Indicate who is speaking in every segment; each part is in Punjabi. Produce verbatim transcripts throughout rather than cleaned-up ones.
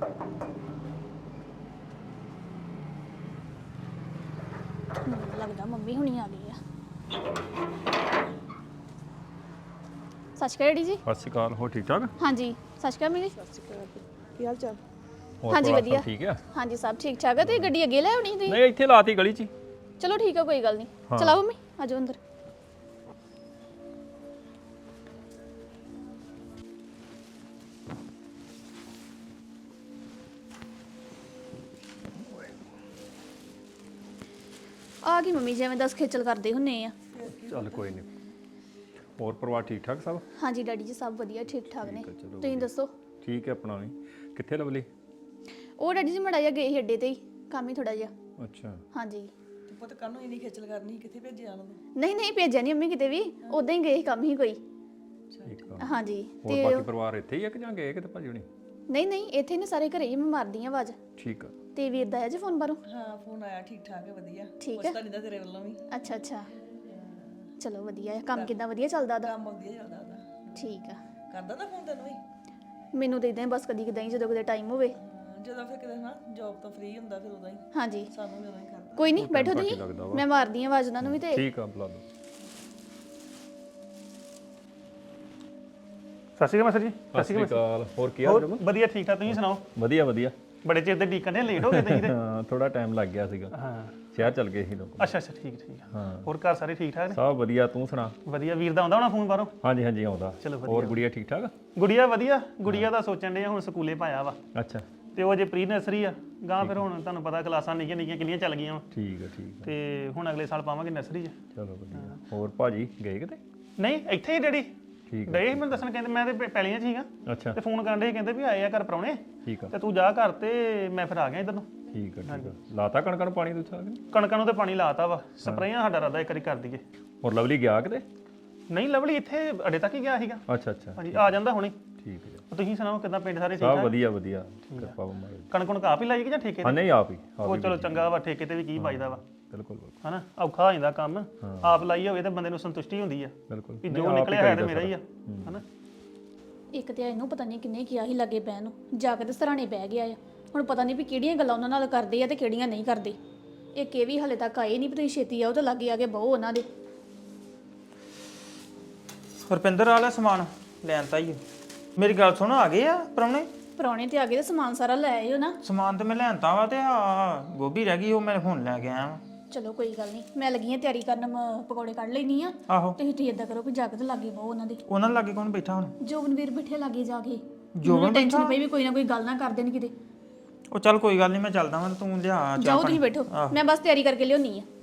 Speaker 1: ਮੈਨੂੰ ਲੱਗਦਾ ਮੰਮੀ ਹੁਣੀ ਆ ਗਈ ਆ। ਸਤਿ ਸ਼੍ਰੀ ਅਕਾਲ ਡੈਡੀ ਜੀ।
Speaker 2: ਸਤਿ ਸ਼੍ਰੀ ਅਕਾਲ। ਹੋ ਠੀਕ ਠਾਕ?
Speaker 1: ਹਾਂਜੀ ਸਤਿ ਸ਼੍ਰੀ ਅਕਾਲ ਮੰਮੀ।
Speaker 3: ਸਤਿ ਸ਼੍ਰੀ ਅਕਾਲ। ਕੀ ਹਾਲ ਚਾਲ?
Speaker 2: ਹੋਰ
Speaker 1: ਹਾਂਜੀ
Speaker 2: ਪਰਿਵਾਰ
Speaker 1: ਵਧੀਆ।
Speaker 2: ਸਭ ਠੀਕ ਆ?
Speaker 1: ਹਾਂਜੀ ਸਭ ਠੀਕ ਠਾਕ ਆ। ਤੇ ਗੱਡੀ ਅੱਗੇ ਲੈ ਆਉਣੀ ਤੁਸੀਂ?
Speaker 2: ਨਹੀਂ ਇੱਥੇ ਲਾਤੀ ਗਲੀ 'ਚ ਹੀ।
Speaker 1: ਚਲੋ ਠੀਕ ਆ ਕੋਈ ਗੱਲ ਨਹੀਂ।
Speaker 2: ਹਾਂ।
Speaker 1: ਚਲਾਓ ਮੰਮੀ ਆਜੋ ਅੰਦਰ। ਆ ਗਈ ਮੰਮੀ ਜਿਵੇਂ ਦਸ ਖੇਚਲ ਕਰਦੇ ਹੁੰਨੇ ਆ।
Speaker 2: ਚੱਲ ਕੋਈ ਨਹੀਂ। ਹੋਰ ਪਰਿਵਾਰ ਠੀਕ ਠਾਕ ਸਭ?
Speaker 1: ਹਾਂਜੀ ਡੈਡੀ ਜੀ ਸਭ ਵਧੀਆ ਠੀਕ ਠਾਕ ਨੇ।
Speaker 2: ਠੀਕ ਆ, ਚਲੋ
Speaker 1: ਤੁਸੀਂ ਦੱਸੋ?
Speaker 2: ਠੀਕ ਹੈ ਆਪਣਾ ਵੀ। ਕਿੱਥੇ ਲਵਲੀ?
Speaker 1: ਉਹ ਡੈਡੀ ਜੀ ਮੜਾ ਜਿਹਾ ਗਏ ਸੀ ਅੱਡੇ ਤੇ ਹੀ, ਕੰਮ ਹੀ ਥੋੜਾ ਜਿਹਾ।
Speaker 2: ਅੱਛਾ
Speaker 1: ਹਾਂਜੀ।
Speaker 3: ਤੂੰ ਪੁੱਤ ਕਾਹਨੂੰ ਇੰਨੀ ਖੇਚਲ ਕਰਨੀ? ਕਿੱਥੇ ਭੇਜਿਆ ਉਹਨਾਂ ਨੂੰ?
Speaker 1: ਨਹੀਂ ਨਹੀਂ ਭੇਜਿਆ ਨਹੀਂ ਮੰਮੀ ਕਿਤੇ ਵੀ, ਉਦਾਂ ਹੀ ਗਏ ਸੀ ਕੰਮ ਹੀ ਕੋਈ।
Speaker 2: ਠੀਕ ਆ।
Speaker 1: ਹਾਂਜੀ
Speaker 2: ਹੋਰ ਬਾਕੀ ਪਰਿਵਾਰ ਇੱਥੇ ਹੀ ਆ ਕਿ ਜਾਂ ਗਏ ਕਿਤੇ ਭਾਜੀ ਹੁਣੀ?
Speaker 1: ਨਹੀਂ ਨਹੀਂ ਇੱਥੇ ਨੇ ਸਾਰੇ ਘਰੇ ਹੀ, ਮੈਂ ਮਾਰਦੀ ਆ ਆਵਾਜ਼।
Speaker 2: ਠੀਕ ਆ।
Speaker 1: ਤੇ ਵੀਰ ਦਾ ਆਇਆ ਜੀ ਫੋਨ ਬਾਹਰੋਂ?
Speaker 3: ਹਾਂ ਫੋਨ ਆਇਆ, ਠੀਕ ਠਾਕ ਹੈ, ਵਧੀਆ।
Speaker 1: ਠੀਕ ਹੈ।
Speaker 3: ਪੁੱਛਦਾ ਨਹੀਂ ਦਾ ਤੇਰੇ ਵੱਲੋਂ ਵੀ।
Speaker 1: ਅੱਛਾ ਅੱਛਾ ਚਲੋ ਵਧੀਆ ਹੈ। ਕੰਮ ਕਿੱਦਾਂ ਵਧੀਆ ਚੱਲਦਾ ਉਹਦਾ?
Speaker 3: ਕੰਮ ਵਧੀਆ ਚੱਲਦਾ ਉਹਦਾ।
Speaker 1: ਠੀਕ ਆ।
Speaker 3: ਕਰਦਾ ਨਾ ਫੋਨ ਤੈਨੂੰ ਵੀ?
Speaker 1: ਮੈਨੂੰ ਦੇ ਇਦਾਂ ਬਸ ਕਦੀ ਕਿਦਾਂ ਹੀ ਜਦੋਂ ਕਦੇ ਟਾਈਮ ਹੋਵੇ।
Speaker 3: ਹਾਂ, ਜਦੋਂ ਫਿਰ ਕਿਤੇ ਨਾ ਜੌਬ ਤੋਂ ਫ੍ਰੀ ਹੁੰਦਾ ਫਿਰ ਉਦੋਂ ਹੀ
Speaker 1: ਹਾਂਜੀ
Speaker 3: ਸਾਨੂੰ ਵੀ ਉਦੋਂ ਹੀ ਕਰਦਾ।
Speaker 1: ਕੋਈ ਨਹੀਂ ਬੈਠੋ
Speaker 2: ਘੱਟ ਹੀ
Speaker 1: ਤੁਸੀਂ,
Speaker 2: ਲੱਗਦਾ ਵਾ।
Speaker 1: ਮੈਂ ਮਾਰਦੀ ਆ ਆਵਾਜ਼ ਉਹਨਾਂ ਨੂੰ ਵੀ। ਤੇ
Speaker 2: ਠੀਕ ਆ ਬੁਲਾ ਲਓ।
Speaker 4: ਸਤਿ ਸ਼੍ਰੀ ਅਕਾਲ ਮਾਸਟਰ ਜੀ।
Speaker 2: ਸਤਿ ਸ਼੍ਰੀ ਅਕਾਲ। ਹੋਰ ਕੀ ਹਾਲ ਜਮ?
Speaker 4: ਵਧੀਆ ਠੀਕ ਠਾਕ, ਤੁਸੀਂ ਸੁਣਾਓ?
Speaker 2: ਵਧੀਆ ਵਧੀਆ।
Speaker 4: ਬੜੇ ਚਿਰ ਦੇ ਡੀਕਨ ਦੇ ਲੇਟ ਹੋ ਗਏ ਤੁਸੀਂ ਤੇ।
Speaker 2: ਹਾਂ ਥੋੜਾ ਟਾਈਮ ਲੱਗ ਗਿਆ ਸੀਗਾ।
Speaker 4: ਹਾਂ
Speaker 2: ਸ਼ਹਿਰ ਚੱਲ ਗਏ ਸੀ ਲੋਕ।
Speaker 4: ਅੱਛਾ ਅੱਛਾ ਠੀਕ ਠੀਕ।
Speaker 2: ਹਾਂ
Speaker 4: ਹੋਰ ਘਰ ਸਾਰੇ ਠੀਕ ਠਾਕ ਨੇ?
Speaker 2: ਸਭ ਵਧੀਆ। ਤੂੰ ਸੁਣਾ?
Speaker 4: ਵਧੀਆ। ਵੀਰ ਦਾ ਆਉਂਦਾ ਹੋਣਾ ਫੋਨ ਬਾਹਰੋਂ?
Speaker 2: ਹਾਂਜੀ ਹਾਂਜੀ ਆਉਂਦਾ।
Speaker 4: ਚਲੋ ਵਧੀਆ।
Speaker 2: ਹੋਰ ਗੁੜੀਆ ਠੀਕ ਠਾਕ?
Speaker 4: ਗੁੜੀਆ ਵਧੀਆ। ਗੁੜੀਆ ਦਾ ਸੋਚਣ ਦੇ ਹੁਣ ਸਕੂਲੇ ਪਾਇਆ ਵਾ,
Speaker 2: ਅੱਛਾ
Speaker 4: ਤੇ ਉਹ ਜੇ ਪ੍ਰੀ ਨਰਸਰੀ ਆ ਗਾਂ, ਫਿਰ ਹੁਣ ਤੁਹਾਨੂੰ ਪਤਾ ਕਲਾਸਾਂ ਨਿੱਕੀਆਂ ਨਿੱਕੀਆਂ ਕਿੰਨੀਆਂ ਚੱਲ ਗਈਆਂ ਵਾ,
Speaker 2: ਠੀਕ ਆ ਠੀਕ ਆ।
Speaker 4: ਤੇ ਹੁਣ ਅਗਲੇ ਸਾਲ ਪਾਵਾਂਗੇ ਨਰਸਰੀ 'ਚ।
Speaker 2: ਚਲੋ ਵਧੀਆ। ਹੋਰ ਭਾਜੀ ਗਏ ਕਿਤੇ?
Speaker 4: ਨਹੀਂ ਇੱਥੇ ਹੀ ਡੈਡੀ
Speaker 2: ਠੀਕ ਆ।
Speaker 4: ਗਏ ਸੀ ਮੈਨੂੰ ਦੱਸਣ, ਕਹਿੰਦੇ ਮੈਂ ਤੇ ਪੈਲੀਆਂ 'ਚ ਸੀਗਾ
Speaker 2: ਅੱਛਾ
Speaker 4: ਤੇ ਫੋਨ ਕਰਨ ਦੇ ਕਹਿੰਦੇ ਵੀ ਆਏ ਆ ਘਰ ਪ੍ਰਾਹੁਣੇ,
Speaker 2: ਠੀਕ ਆ
Speaker 4: ਤੇ ਤੂੰ ਜਾ ਘਰ ਤੇ ਮੈਂ ਫਿਰ ਆ ਗਿਆ ਇੱਧਰ ਨੂੰ।
Speaker 2: ਠੀਕ ਆ ਠੀਕ ਆ। ਲਾਤਾ ਕਣਕਾਂ ਨੂੰ ਪਾਣੀ ਤੁਸੀਂ?
Speaker 4: ਕਣਕਾਂ ਨੂੰ ਤੇ ਪਾਣੀ ਲਾਤਾ ਵਾ, ਸਪਰੇਆਂ ਸਾਡਾ ਰਾਦਾ ਇੱਕ ਵਾਰੀ ਕਰ ਦਈਏ।
Speaker 2: ਹੋਰ ਲਵਲੀ ਗਿਆ ਕਿਤੇ?
Speaker 4: ਨਹੀਂ ਲਵਲੀ ਇੱਥੇ ਅੱਡੇ ਤੱਕ ਹੀ ਗਿਆ ਸੀਗਾ।
Speaker 2: ਅੱਛਾ ਅੱਛਾ
Speaker 4: ਹਾਂਜੀ ਆ ਜਾਂਦਾ ਹੁਣੇ।
Speaker 2: ਠੀਕ ਹੈ।
Speaker 4: ਤੁਸੀਂ ਸੁਣਾਓ ਕਿਦਾਂ ਪਿੰਡ ਸਾਰੇ ਠੀਕ
Speaker 2: ਸਭ
Speaker 4: ਠਾਕ?
Speaker 2: ਵਧੀਆ ਵਧੀਆ। ਕਿਰਪਾ ਮਾਰੇ।
Speaker 4: ਕਣਕ ਕਣਕ ਆਪ ਹੀ ਲਾਈ ਕਿ ਜਾਂ ਠੇਕੇ
Speaker 2: ਹਾਂ
Speaker 4: ਤੇ?
Speaker 2: ਨਹੀਂ ਆਪ ਹੀ ਆਪ
Speaker 4: ਉਹ
Speaker 2: ਹੀ
Speaker 4: ਚਲੋ ਚੰਗਾ ਵਾ, ਠੇਕੇ ਤੇ ਵੀ ਕੀ ਬਚਦਾ ਵਾ,
Speaker 2: ਬਿਲਕੁਲ ਬਿਲਕੁਲ
Speaker 4: ਹਨਾ ਔਖਾ ਹੋ ਜਾਂਦਾ ਕੰਮ। ਆਪ ਲਾਈ ਹੋਵੇ ਤਾਂ ਬੰਦੇ ਨੂੰ ਸੰਤੁਸ਼ਟੀ ਹੁੰਦੀ ਆ
Speaker 2: ਬਿਲਕੁਲ।
Speaker 4: ਵੀ
Speaker 2: ਨਹੀਂ,
Speaker 4: ਜੋ
Speaker 2: ਆਪ ਹੀ
Speaker 4: ਨਿਕਲਿਆ ਹੈ ਤੇ
Speaker 2: ਕਰੀਦਾ
Speaker 4: ਮੇਰਾ ਹੀ ਆ, ਹਨਾ।
Speaker 1: ਇੱਕ ਤੇ ਇਹਨੂੰ ਪਤਾ ਨਹੀਂ ਕਿੰਨੇ ਕਿਹਾ ਸੀ ਲੱਗੇ ਪੈਣ ਨੂੰ, ਜਾ ਕੇ ਤੇ ਸਰਾਣੇ ਬਹਿ ਗਿਆ ਆ। ਹੁਣ ਪਤਾ ਨਹੀਂ ਵੀ ਕਿਹੜੀਆਂ ਗੱਲਾਂ ਉਹਨਾਂ ਨਾਲ ਕਰਦੇ ਆ ਤੇ ਕਿਹੜੀਆਂ ਨਹੀਂ ਕਰਦੇ। ਇੱਕ ਇਹ ਵੀ ਹਲੇ ਤੱਕ ਆਏ ਨਹੀਂ, ਪਤਾ ਛੇਤੀ ਆਓ ਤੇ ਲੱਗੇ ਆ ਕੇ ਬਹੁ ਉਹਨਾਂ ਦੇ।
Speaker 5: ਰੁਪਿੰਦਰ ਵਾਲਾ ਸਮਾਨ ਲੈਣ ਤਾਂ ਹੀ ਮੇਰੀ ਗੱਲ ਸੁਣੋ, ਆ ਗਏ ਆ ਪ੍ਰਾਹੁਣੇ?
Speaker 1: ਪ੍ਰਾਹੁਣੇ ਤੇ ਆ ਗਏ ਤੇ ਸਮਾਨ ਸਾਰਾ ਲੈ ਆਇਓ ਨਾ।
Speaker 5: ਸਮਾਨ ਤੇ ਮੈਂ ਲੈਣਤਾ ਵਾ, ਤੇ ਆ ਗੋਭੀ ਰਹਿ ਗਈ, ਉਹ ਮੈਂ ਹੁਣ ਲੈ ਕੇ ਆਇਆ ਵਾਂ।
Speaker 1: ਚਲੋ ਕੋਈ ਗੱਲ ਨਹੀਂ, ਮੈਂ ਲੱਗੀ ਆ ਤਿਆਰੀ ਕਰਨ, ਮ- ਪਕੌੜੇ ਕੱਢ ਲੈਣੀ ਆ।
Speaker 5: ਆਹੋ
Speaker 1: ਤੁਸੀਂ ਤੁਸੀਂ ਏਦਾਂ ਕਰੋ ਵੀ ਜਾ ਕੇ ਤੇ ਲੱਗੇ ਬਹੁ ਉਹਨਾਂ ਦੇ।
Speaker 5: ਉਹਨਾਂ ਦੇ ਲਾਗੇ ਕੌਣ ਬੈਠਾ ਹੁਣ?
Speaker 1: ਜੋਬਨਵੀਰ ਬੈਠੇ ਲਾਗੇ ਜਾ ਕੇ।
Speaker 5: ਜੋਬਨ
Speaker 1: ਟੈਨਸ਼ਨ ਪਈ ਵੀ ਕੋਈ ਨਾ ਕੋਈ ਗੱਲ ਨਾ ਕਰ ਦੇਣ ਕਿਤੇ।
Speaker 5: ਉਹ ਚੱਲ ਕੋਈ ਗੱਲ ਨਹੀਂ, ਮੈਂ ਚੱਲਦਾ ਵਾਂ, ਤੂੰ ਲਿਆ ਚਾਹ
Speaker 1: ਜਾਓ
Speaker 5: ਪਾਣੀ।
Speaker 1: ਤੁਸੀਂ ਬੈਠੋ, ਮੈਂ ਬਸ ਤਿਆਰੀ ਕਰਕੇ ਲਿਆਉਣੀ ਆ।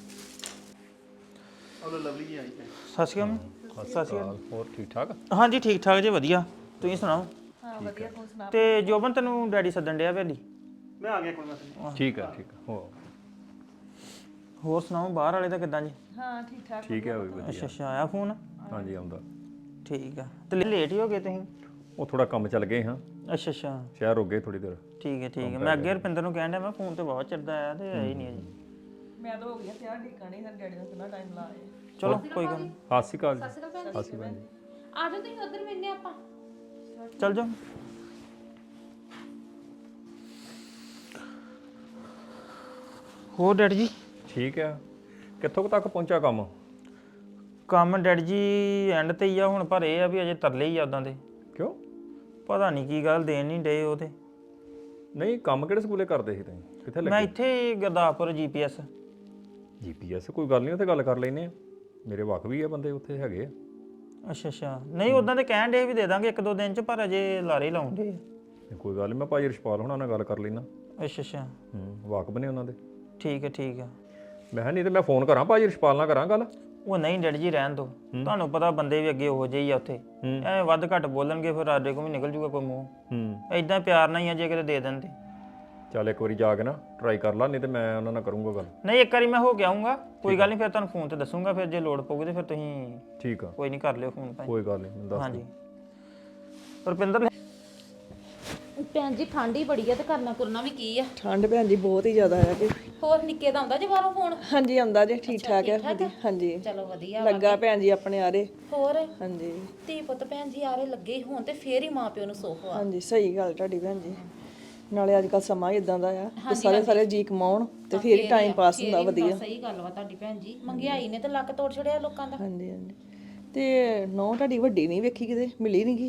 Speaker 4: ਉਹ ਲਵਲੀ ਜੀ ਆਈ ਹੈ।
Speaker 5: ਸਤਿ ਸ਼੍ਰੀ ਅਕਾਲ। ਸਤਿ ਸ਼੍ਰੀ ਅਕਾਲ।
Speaker 2: ਹੋਰ ਠੀਕ ਠਾਕ?
Speaker 5: ਹਾਂਜੀ ਠੀਕ ਠਾਕ ਜੀ, ਵਧੀਆ। ਤੁਸੀਂ ਸੁਣਾਓ?
Speaker 3: ਹਾਂ ਵਧੀਆ। ਤੂੰ ਸੁਣਾ?
Speaker 5: ਤੇ ਜੋਬਨ ਤੈਨੂੰ ਡੈਡੀ ਸੱਦਣ ਡਿਆ ਵੇਲੀ?
Speaker 4: ਮੈਂ ਆ ਗਿਆ ਕੋਈ ਮਸਲਾ
Speaker 2: ਠੀਕ ਆ ਠੀਕ ਆ। ਹੋ
Speaker 5: ਹੋਰ ਸੁਣਾਓ ਬਾਹਰ ਵਾਲੇ ਦਾ ਕਿੱਦਾਂ ਜੀ?
Speaker 3: ਹਾਂ ਠੀਕ ਠਾਕ।
Speaker 2: ਠੀਕ ਹੈ ਉਹ ਵੀ ਵਧੀਆ।
Speaker 5: ਅੱਛਾ ਅੱਛਾ ਆਇਆ ਫੋਨ?
Speaker 2: ਹਾਂਜੀ ਆਉਂਦਾ।
Speaker 5: ਠੀਕ ਆ। ਤੇ ਲੇਟ ਹੀ ਹੋ ਗਏ ਤੁਸੀਂ?
Speaker 2: ਉਹ ਥੋੜਾ ਕੰਮ ਚੱਲ ਗਏ ਹਾਂ,
Speaker 5: ਅੱਛਾ ਅੱਛਾ
Speaker 2: ਸ਼ਹਿਰ ਹੋ ਗਏ ਥੋੜੀ ਦੇਰ।
Speaker 5: ਠੀਕ ਹੈ ਠੀਕ ਹੈ। ਮੈਂ ਅੱਗੇ ਰੁਪਿੰਦਰ ਨੂੰ ਕਹਿਣ ਡਿਆ ਮੈਂ ਫੋਨ ਤੇ ਬਹੁਤ ਚਿਰ ਦਾ ਆਇਆ ਤੇ ਆਇਆ ਹੀ ਨਹੀਂ ਅਜੇ।
Speaker 3: ਮੈਂ ਤਾਂ ਹੋ ਗਿਆ ਤਿਆਰ, ਢੀਕਣੀ ਨਾਲ ਡੈਡੀ ਦਾ ਕਿੰਨਾ ਟਾਈਮ ਲਾਇਆ।
Speaker 5: ਚਲੋ ਕੋਈ ਗੱਲ ਨਹੀਂ,
Speaker 2: ਸਤਿ ਸ਼੍ਰੀ ਅਕਾਲ ਜੀ। ਸਤਿ ਸ਼੍ਰੀ ਅਕਾਲ ਜੀ।
Speaker 1: ਆ ਜਾਓ ਤੁਸੀਂ ਉਧਰ ਮਿਲਨੇ ਆਪਾਂ।
Speaker 5: ਚੱਲ ਜਾ। ਹੋਰ ਡੈਡੀ ਜੀ?
Speaker 2: ਠੀਕ ਆ। ਕਿੱਥੋਂ ਕੁ ਤੱਕ ਪਹੁੰਚਾ ਕੰਮ?
Speaker 5: ਕੰਮ ਡੈਡੀ ਜੀ ਐਂਡ ਤੇ ਹੀ ਆ ਹੁਣ, ਪਰ ਇਹ ਆ ਵੀ ਅਜੇ ਤਰਲੇ ਹੀ ਆ ਉਦਾਂ ਦੇ।
Speaker 2: ਕਿਉਂ?
Speaker 5: ਪਤਾ ਨਹੀਂ ਕੀ ਗੱਲ, ਦੇਣ ਨਹੀਂ ਡੇ ਉਹ ਤੇ।
Speaker 2: ਨਹੀਂ ਕੰਮ ਕਿਹੜੇ ਸਕੂਲੇ ਕਰਦੇ ਸੀ ਤੁਸੀਂ? ਕਿੱਥੇ
Speaker 5: ਮੈਂ
Speaker 2: ਲੱਗੇ?
Speaker 5: ਇੱਥੇ ਹੀ ਗੁਰਦਾਸਪੁਰ ਜੀਪੀਐਸ।
Speaker 2: ਜੀਪੀਐਸ ਕੋਈ ਗੱਲ ਨਹੀਂ, ਉੱਥੇ ਗੱਲ ਕਰ ਲੈਨੇ ਆ। ਮੇਰੇ ਵਕ ਵੀ ਆ ਬੰਦੇ ਉੱਥੇ ਹੈਗੇ ਆ।
Speaker 5: ਅੱਛਾ ਅੱਛਾ। ਨਹੀਂ ਉਦਾਂ ਤੇ ਕਹਿਣ ਡੇ ਵੀ ਦੇ ਦਾਂਗੇ ਇੱਕ ਦੋ ਦਿਨ ਚ, ਪਰ ਅਜੇ ਲਾਰੇ ਲਾਉਂਦੇ।
Speaker 2: ਨਹੀਂ, ਕੋਈ ਗੱਲ ਨਹੀਂ, ਮੈਂ ਭਾਜੀ ਰਸ਼ਪਾਲ ਹੋਣਾ ਨਾਲ ਗੱਲ ਕਰ ਲੈਣਾ।
Speaker 5: ਅੱਛਾ ਅੱਛਾ
Speaker 2: ਹੂੰ ਵਾਕਬ ਨੇ ਉਹਨਾਂ ਦੇ।
Speaker 5: ਠੀਕ ਹੈ ਠੀਕ ਹੈ।
Speaker 2: ਮੈਂ ਕਿਹਾ ਨਹੀਂ ਤੇ ਮੈਂ ਫੋਨ ਕਰਾਂ ਭਾਜੀ ਰਸ਼ਪਾਲ ਨਾਲ ਕਰਾਂ ਗੱਲ।
Speaker 5: ਉਹ ਨਹੀਂ ਡੈਡੀ ਜੀ ਰਹਿਣ ਦੋ, ਤੁਹਾਨੂੰ ਪਤਾ ਬੰਦੇ ਵੀ ਅੱਗੇ ਉਹੋ ਜਿਹੇ ਹੀ ਆ ਉੱਥੇ, ਐਵੇਂ ਵੱਧ ਘੱਟ ਬੋਲਣਗੇ ਫਿਰ ਸਾਡੇ ਕੋਲ ਵੀ ਨਿਕਲ ਜੂਗਾ ਕੋਈ ਮੂੰਹ।
Speaker 2: ਹੂੰ
Speaker 5: ਐਦਾਂ ਪਿਆਰ ਨਾਲ ਹੀ ਆ, ਜੇ ਕਿਤੇ ਦੇ ਦਿੰਦੇ।
Speaker 2: ਚੱਲ ਇੱਕ ਵਾਰੀ ਜਾ ਕੇ ਨਾ ਟਰਾਈ ਕਰ ਲਾ, ਨਹੀਂ ਤੇ ਮੈਂ ਉਹਨਾਂ ਨਾਲ ਕਰੂੰਗਾ ਗੱਲ।
Speaker 5: ਨਹੀਂ ਇੱਕ ਵਾਰੀ ਮੈਂ ਹੋ ਕੇ ਆਉਂਗਾ, ਕੋਈ ਗੱਲ ਨਹੀਂ, ਫਿਰ ਤੁਹਾਨੂੰ ਫੋਨ ਤੇ ਦੱਸੂਗਾ, ਫਿਰ ਜੇ ਲੋੜ ਪਊਗੀ ਤੇ ਫਿਰ ਤੁਸੀਂ
Speaker 2: ਠੀਕ ਆ
Speaker 5: ਕੋਈ ਨਹੀਂ ਕਰ ਲਿਓ ਫੋਨ ਭਾਈ।
Speaker 2: ਕੋਈ ਗੱਲ ਨਹੀਂ, ਮੈਨੂੰ ਦੱਸ
Speaker 5: ਹਾਂਜੀ
Speaker 2: ਦਿਓ।
Speaker 5: ਰੁਪਿੰਦਰ
Speaker 1: ਭੈਣ ਜੀ ਠੰਡ ਹੀ ਬੜੀ ਆ ਤੇ ਕਰਨਾ ਕਰਨਾ ਵੀ ਕੀ ਆ।
Speaker 3: ਠੰਡ ਭੈਣ ਜੀ ਬਹੁਤ ਹੀ ਜ਼ਿਆਦਾ ਹੈ ਕਿ।
Speaker 1: ਹੋਰ ਨਿੱਕੇ ਦਾ ਆਉਂਦਾ ਜੇ ਬਾਹਰੋਂ ਫੋਨ?
Speaker 3: ਹਾਂਜੀ ਆਉਂਦਾ ਜੇ, ਠੀਕ ਠਾਕ ਹੈ। ਹਾਂਜੀ
Speaker 1: ਚਲੋ ਵਧੀਆ
Speaker 3: ਲੱਗਾ ਭੈਣ ਜੀ ਆਪਣੇ ਆਰੇ।
Speaker 1: ਹੋਰ
Speaker 3: ਹਾਂਜੀ
Speaker 1: ਧੀ ਪੁੱਤ ਭੈਣ ਜੀ ਆਰੇ ਲੱਗੇ ਹੀ ਹੋਣ ਤੇ ਫੇਰ ਹੀ ਮਾਂ ਪਿਓ ਨੂੰ ਸੁੱਖ ਆ।
Speaker 3: ਹਾਂਜੀ ਸਹੀ ਗੱਲ ਤੁਹਾਡੀ ਭੈਣ ਜੀ। ਨਾਲੇ ਅੱਜ ਕੱਲ ਸਮਾਂ ਹੀ ਇਦਾਂ ਦਾ ਆ ਤੇ ਸਾਰੇ ਸਾਰੇ ਜੀ ਕਮਾਉਣ ਤੇ ਫਿਰ ਹੀ ਟਾਈਮ ਪਾਸ ਹੁੰਦਾ ਵਧੀਆ।
Speaker 6: ਸਹੀ ਗੱਲ ਵਾ ਤੁਹਾਡੀ ਭੈਣ ਜੀ, ਮਹਿੰਗਾਈ ਨੇ ਤਾਂ ਲੱਕ ਤੋੜ ਛੜਿਆ ਲੋਕਾਂ ਦਾ।
Speaker 3: ਹਾਂਜੀ ਹਾਂਜੀ। ਤੇ ਨੌ ਤੁਹਾਡੀ ਵੱਡੀ ਨਹੀਂ ਵੇਖੀ ਕਿਤੇ, ਮਿਲੀ ਨਹੀਂ ਗੀ?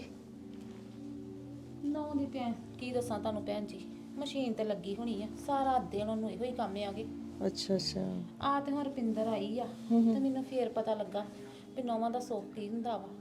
Speaker 6: ਨੌ ਦੀ ਭੈਣ ਕੀ ਦੱਸਾਂ ਤੁਹਾਨੂੰ ਭੈਣ ਜੀ, ਮਸ਼ੀਨ ਤੇ ਲੱਗੀ ਹੋਣੀ ਆ, ਸਾਰਾ ਦਿਨ ਉਹਨੂੰ ਇਹੋ ਹੀ ਕੰਮ ਆਗੇ।
Speaker 3: ਅੱਛਾ ਅੱਛਾ।
Speaker 6: ਆ ਤੇ ਹੁਣ ਰੁਪਿੰਦਰ ਆਈ ਆ ਤੇ ਮੈਨੂੰ ਫੇਰ ਪਤਾ ਲੱਗਾ ਵੀ ਨੌਵਾਂ ਦਾ ਸੁੱਖ ਕੀ ਹੁੰਦਾ ਵਾ।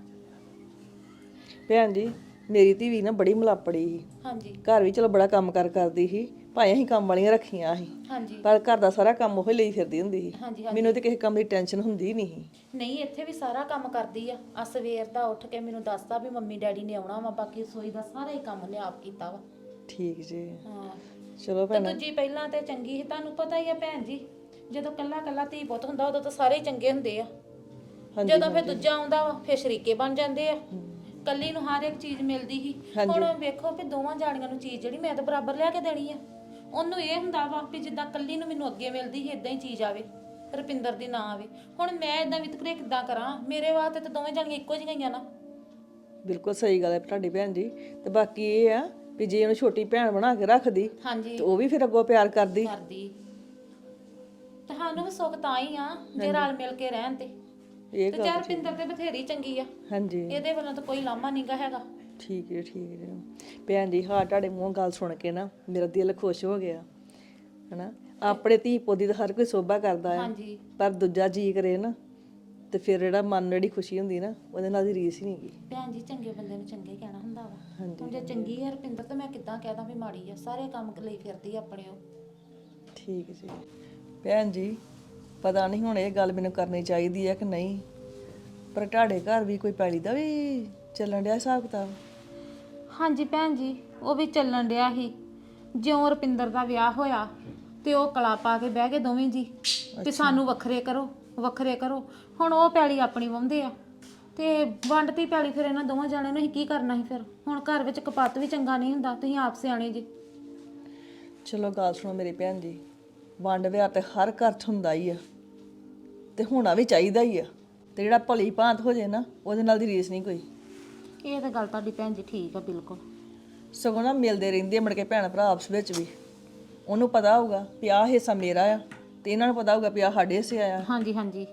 Speaker 3: ਭੈਣ ਜੀ ਮੇਰੀ ਧੀ ਵੀ ਨਾ ਬੜੀ ਮਲਾਪੜੀ ਸੀ,
Speaker 6: ਹਾਂਜੀ
Speaker 3: ਘਰ ਵੀ ਚਲੋ ਬੜਾ ਕੰਮ ਕਰ ਕਰਦੀ ਸੀ, ਭਾਵੇਂ ਅਸੀਂ ਕੰਮ ਵਾਲੀਆਂ ਰੱਖੀਆਂ ਸੀ
Speaker 6: ਹਾਂਜੀ
Speaker 3: ਪਰ ਘਰ ਦਾ ਸਾਰਾ ਕੰਮ ਉਹ ਲਈ ਫਿਰਦੀ ਹੁੰਦੀ ਸੀ।
Speaker 6: ਹਾਂਜੀ
Speaker 3: ਮੈਨੂੰ ਤੇ ਕਿਸੇ ਕੰਮ ਦੀ ਟੈਨਸ਼ਨ ਹੁੰਦੀ ਹੀ ਨਹੀਂ ਸੀ।
Speaker 6: ਨਹੀਂ ਇੱਥੇ ਵੀ ਸਾਰਾ ਕੰਮ ਕਰਦੀ ਆ। ਆ ਸਵੇਰ ਦਾ ਉੱਠ ਕੇ ਮੈਨੂੰ ਦੱਸਦਾ ਵੀ ਮੰਮੀ ਡੈਡੀ ਨੇ ਆਉਣਾ ਵਾ, ਬਾਕੀ ਰਸੋਈ ਦਾ ਸਾਰਾ ਹੀ ਕੰਮ ਨੇ ਆਪ ਕੀਤਾ ਵਾ।
Speaker 3: ਠੀਕ ਜੀ।
Speaker 6: ਹਾਂ
Speaker 3: ਚਲੋ
Speaker 6: ਤੇ
Speaker 3: ਭੈਣ
Speaker 6: ਦੂਜੀ ਪਹਿਲਾਂ ਤੇ ਚੰਗੀ ਸੀ, ਤੁਹਾਨੂੰ ਪਤਾ ਹੀ ਆ ਭੈਣ ਜੀ, ਜਦੋਂ ਕੱਲਾ ਕੱਲਾ ਧੀ ਪੁੱਤ ਹੁੰਦਾ ਉਦੋਂ ਤਾਂ ਸਾਰੇ ਹੀ ਚੰਗੇ ਹੁੰਦੇ ਆ। ਜਦੋਂ ਫਿਰ ਦੂਜਾ ਆਉਂਦਾ ਵਾ ਫਿਰ ਸ਼ਰੀਕੇ ਬਣ ਜਾਂਦੇ ਆ। ਕੱਲੀ ਨੂੰ ਹਰ ਇੱਕ ਚੀਜ਼ ਮਿਲਦੀ ਸੀ, ਹੁਣ ਵੇਖੋ ਵੀ ਦੋਵਾਂ ਜਾਣੀਆਂ ਨੂੰ ਚੀਜ਼ ਜਿਹੜੀ ਮੈਂ ਤਾਂ ਬਰਾਬਰ ਲਿਆ ਕੇ ਦੇਣੀ ਆ। ਉਹਨੂੰ ਇਹ ਹੁੰਦਾ ਵਾ ਵੀ ਜਿੱਦਾਂ ਕੱਲੀ ਨੂੰ ਮੈਨੂੰ ਅੱਗੇ ਮਿਲਦੀ ਸੀ ਇਦਾਂ ਹੀ ਚੀਜ਼ ਆਵੇ, ਰੁਪਿੰਦਰ ਦੀ ਨਾ ਆਵੇ। ਹੁਣ ਮੈਂ ਇਦਾਂ ਵਿਤਕਰੇ ਕਿੱਦਾਂ ਕਰਾਂ? ਮੇਰੇ ਵਾਸਤੇ ਤਾਂ ਦੋਵੇਂ ਜਾਣੀਆਂ ਇੱਕੋ ਜਿਹੀਆਂ ਨਾ।
Speaker 3: ਬਿਲਕੁਲ ਸਹੀ ਗੱਲ ਹੈ ਤੁਹਾਡੀ ਭੈਣ ਜੀ। ਤੇ ਬਾਕੀ ਇਹ ਆ ਵੀ ਜੇ ਉਹਨੂੰ ਛੋਟੀ ਭੈਣ ਬਣਾ ਕੇ ਰੱਖਦੀ
Speaker 6: ਹਾਂਜੀ
Speaker 3: ਤੇ ਉਹ ਵੀ ਫਿਰ ਅੱਗੋਂ ਪਿਆਰ ਕਰਦੀ।
Speaker 6: ਕਰਦੀ ਤੁਹਾਨੂੰ ਵੀ ਸੁੱਖ ਤਾਂ ਹੀ ਆ ਜੇ ਰਲ ਮਿਲ ਕੇ ਰਹਿਣ ਤੇ।
Speaker 3: ਇਹ
Speaker 6: ਤੇ ਯਾਰ ਰੁਪਿੰਦਰ ਤੇ ਬਥੇਰੀ ਚੰਗੀ ਆ,
Speaker 3: ਹਾਂਜੀ
Speaker 6: ਇਹਦੇ ਵੱਲੋਂ ਤਾਂ ਕੋਈ ਲਾਮਾ ਨਹੀਂਗਾ ਹੈਗਾ।
Speaker 3: ਠੀਕ ਹੈ ਠੀਕ ਹੈ ਭੈਣ ਜੀ। ਹਾਂ ਤੁਹਾਡੇ ਮੂੰਹੋਂ ਗੱਲ ਸੁਣ ਕੇ ਨਾ ਮੇਰਾ ਦਿਲ ਖੁਸ਼ ਹੋ ਗਿਆ ਹਨਾ। ਆਪਣੇ ਧੀ ਪੋਦੀ ਦਾ ਹਰ ਕੋਈ ਸੋਭਾ ਕਰਦਾ ਆ,
Speaker 6: ਹਾਂਜੀ
Speaker 3: ਪਰ ਦੂਜਾ ਜੀ ਕਰੇ ਨਾ ਤੇ ਫਿਰ ਜਿਹੜਾ ਮਨ ਨੂੰ ਜਿਹੜੀ ਖੁਸ਼ੀ ਹੁੰਦੀ ਨਾ ਉਹਦੇ ਨਾਲ ਦੀ ਰੀਸ ਹੀ ਨਹੀਂ ਗੀ।
Speaker 6: ਭੈਣ ਜੀ ਚੰਗੇ ਬੰਦੇ ਨੂੰ ਚੰਗੇ ਕਹਿਣਾ ਹੁੰਦਾ ਵਾ। ਹੁਣ ਜੇ ਚੰਗੀ ਹੈ ਰੁਪਿੰਦਰ ਤਾਂ ਮੈਂ ਕਿੱਦਾਂ ਕਹਿਦਾ ਵੀ ਮਾੜੀ ਆ? ਸਾਰੇ ਕੰਮ ਲਈ ਫਿਰਦੀ ਆ ਆਪਣੇ ਉਹ।
Speaker 3: ਠੀਕ ਜੀ। ਭੈਣ ਜੀ ਪਤਾ ਨਹੀਂ ਹੁਣ ਇਹ ਗੱਲ ਮੈਨੂੰ ਕਰਨੀ ਚਾਹੀਦੀ ਹੈ ਕਿ ਨਹੀਂ, ਪਰ ਤੁਹਾਡੇ ਘਰ ਵੀ ਕੋਈ ਪੈਲੀ ਦਾ ਵੀ ਚੱਲਣ ਡਿਆ ਹਿਸਾਬ ਕਿਤਾਬ?
Speaker 6: ਹਾਂਜੀ ਭੈਣ ਜੀ ਉਹ ਵੀ ਚੱਲਣ ਡਿਆ ਸੀ। ਜਿਉਂ ਰੁਪਿੰਦਰ ਦਾ ਵਿਆਹ ਹੋਇਆ ਤੇ ਉਹ ਕਲਾ ਪਾ ਕੇ ਬਹਿ ਗਏ ਦੋਵੇਂ ਜੀ ਤੇ ਸਾਨੂੰ ਵੱਖਰੇ ਕਰੋ ਵੱਖਰੇ ਕਰੋ। ਹੁਣ ਉਹ ਪੈਲੀ ਆਪਣੀ ਵਾਹੁੰਦੇ ਆ ਤੇ ਵੰਡਤੀ ਪੈਲੀ, ਫਿਰ ਇਹਨਾਂ ਦੋਵਾਂ ਜਾਣਿਆਂ ਨੂੰ ਅਸੀਂ ਕੀ ਕਰਨਾ ਸੀ? ਫਿਰ ਹੁਣ ਘਰ ਵਿੱਚ ਕਪੱਤ ਵੀ ਚੰਗਾ ਨਹੀਂ ਹੁੰਦਾ, ਤੁਸੀਂ ਆਪ ਸਿਆਣੇ ਜੀ।
Speaker 3: ਚਲੋ ਗੱਲ ਸੁਣੋ ਮੇਰੀ ਭੈਣ ਜੀ, ਵੰਡ ਵਿਆਹ ਤੇ ਹਰ ਘਰ 'ਚ ਹੁੰਦਾ ਹੀ ਆ ਤੇ ਹੋਣਾ ਵੀ ਚਾਹੀਦਾ ਹੀ ਆ। ਤੇ ਜਿਹੜਾ ਭਲੀ ਭਾਂਤ ਹੋ ਜੇ ਨਾ ਉਹਦੇ ਨਾਲ ਦੀ ਰੀਸ ਨਹੀਂ ਕੋਈ।
Speaker 6: ਇਹ ਤਾਂ ਗੱਲ ਤੁਹਾਡੀ ਭੈਣ ਜੀ ਠੀਕ ਆ ਬਿਲਕੁਲ।
Speaker 3: ਸਗੋਂ ਨਾ ਮਿਲਦੇ ਰਹਿੰਦੇ ਆ ਮੁੜ ਕੇ ਭੈਣ ਭਰਾ ਆਪਸ ਵਿੱਚ ਵੀ। ਉਹਨੂੰ ਪਤਾ ਹੋਊਗਾ ਵੀ ਆਹ ਹਿੱਸਾ ਮੇਰਾ ਆ ਤੇ ਇਹਨਾਂ ਨੂੰ ਪਤਾ ਹੋਊਗਾ ਵੀ ਆਹ ਸਾਡੇ ਹਿੱਸੇ ਆਇਆ।
Speaker 6: ਹਾਂਜੀ ਹਾਂਜੀ